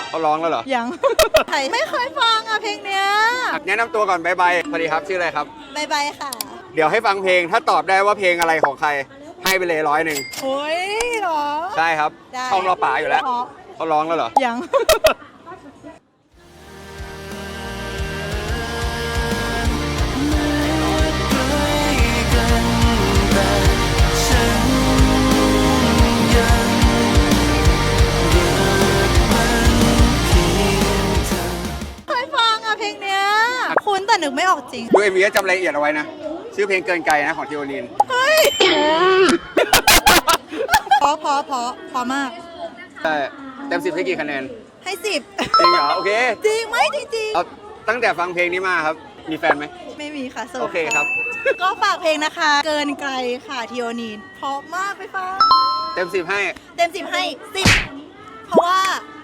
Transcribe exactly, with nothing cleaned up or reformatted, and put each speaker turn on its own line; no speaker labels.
เขาร้องแล้วเหรอ
ยัง ไม่เคยฟังอ่ะเพลงเนี้ย
แนะนำตัวก่อนบายบายสวัสดีครับชื่ออะไรครับ
บายบายค่ะ
เดี๋ยวให้ฟังเพลงถ้าตอบได้ว่าเพลงอะไรของใครให้ไปเลยร้อยหนึ่ง
โอ้ยเหรอ
ใช่ครับ
ได้
ช่องรอป่าอยู่แล้ว
เพราะ
เขาร้องแล้วเหรอ
ยัง เคยฟังอ่ะเพลงเนี้ยคุ้นแต่นึกไม่ออกจริง
ดูเอ็มวีจำรายละเอียดเอาไว้นะ ชื่อเพลงเกินไกลนะของทีโอนีน
เฮ้ย เพราะเพราะเพราะเพราะมาก
ใช่เต็มสิบให้กี่คะแนน
ให้สิบ
จริงเหรอ โอเค
จริงไหมจริง
เอาตั้งแต่ฟังเพลงนี้มาครับ มีแฟนไหม
ๆไม่มีค่ะโสด
โอเคครับ
ก็ฝากเพลงนะคะ เกินไกลค่ะทีโอนีนเพราะมากไปฟัง
เต็มสิบให้
เต็มสิบให้สิบเพราะว่า